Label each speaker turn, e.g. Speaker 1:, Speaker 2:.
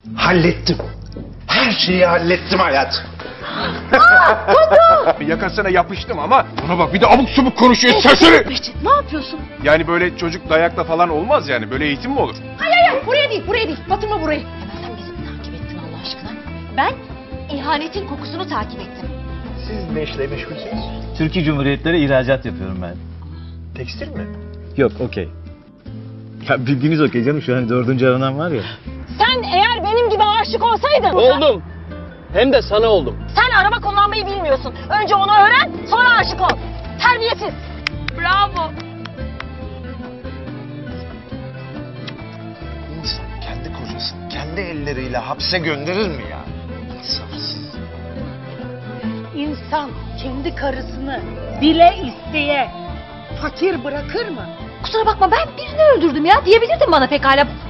Speaker 1: Hallettim. Her şeyi hallettim hayat.
Speaker 2: Yakasına yapıştım ama buna bak bir de abuk subuk konuşuyor serseri.
Speaker 3: Behçet ne yapıyorsun?
Speaker 2: Yani böyle çocuk dayakla falan olmaz yani. Böyle eğitim mi olur?
Speaker 3: Hayır buraya değil batırma burayı. Hemen sen bizi mi takip ettin Allah aşkına? Ben ihanetin kokusunu takip ettim.
Speaker 1: Siz ne işle meşgulsünüz?
Speaker 4: Türkiye Cumhuriyetleri ihracat yapıyorum ben.
Speaker 1: Tekstil mi?
Speaker 4: Yok, okey. Ya bildiğiniz okey canım, şu an 4. aranan var ya.
Speaker 3: Sen eğer benim gibi aşık olsaydın...
Speaker 5: Oldum. Hem de sana oldum.
Speaker 3: Sen araba kullanmayı bilmiyorsun. Önce onu öğren, sonra aşık ol. Terbiyesiz. Bravo.
Speaker 1: İnsan kendi kocasını kendi elleriyle hapse gönderir mi ya? İnsafsız.
Speaker 6: İnsan kendi karısını bile isteye fakir bırakır mı?
Speaker 3: Kusura bakma ben birini öldürdüm ya diyebilirdin bana pekala.